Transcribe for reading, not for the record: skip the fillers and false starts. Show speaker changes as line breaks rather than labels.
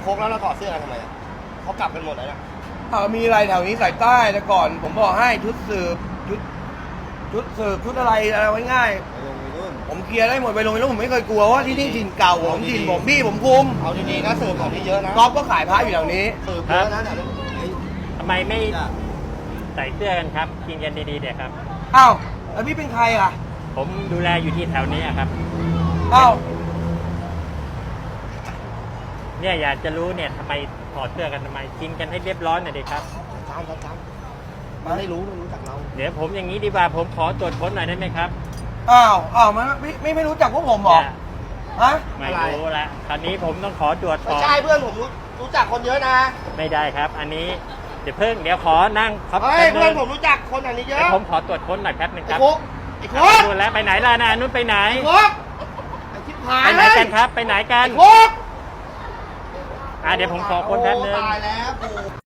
โค้กแล้วเราถอดเสื้อกันทำไมอะเขากลับกันหมดแล้วนะ
มีอะไรแถวนี้สายใต้แต่ก่อน ผมบอกให้ชุดสืบชุดอะไรไว้ง่าย ผมเคลียร์ได้หมดไปลงแล้วผมไม่เคยกลัวว่าที่นี่ถิ่นเก่าผมถิ่นผมพี่ผมคุม
เอาดีๆนะสืบของที่เยอะนะ
ก๊อฟก็ขายพระอยู่แถวนี้
สืบเยอะนะเดี๋ยวนี้
ทำไมไม่ใส่เสื้อกันครับกินกันดีๆเดี๋ยวครับ
อ้าวแล้วพี่เป็นใครอ่ะ
ผมดูแลอยู่ที่แถวนี้ครับ
อ้าว
เนี่ยอยากจะรู้เนี่ยทำไมถอดเสื้อกันทำไมกินกันให้เรียบร้อยหน่อยดิครับ
ตามมันไม่รู้จักเรา
เดี๋ยวผมอย่างนี้ดีกว่าผมขอตรวจค้นหน่อยได้ไหมครับ
อ้าวมันไม่รู้จักพวกผมเหรอ
เนี่ย
ฮะ
ไม่รู้ละคราวนี้ผมต้องขอตรวจ
ไม่
ก่อน
ใช่เพื่อนผมรู้จักคนเยอะนะ
ไม่ได้ครับ อันนี้เดี๋ยวขอนั่งครับ
เฮ้ยเพื่อนผมรู้จักคนอันนี้เย
เดี๋ย
อะ
วผมขอตรวจค้นหน่อยแป๊บหนึง
ไอ้
ครับ
โค้กไอ้โค้ก
นู่นแล้วไปไหนล่ะนะนู่นไปไหน
ไอ้โค้กไอ้ชิบหาย
ไปไหน
เลย
กันครับ ไปไหนกัน
ไอ้โค้ก
เดี๋ยวผมขอค้นแป๊บนึง
ตายแล้วกู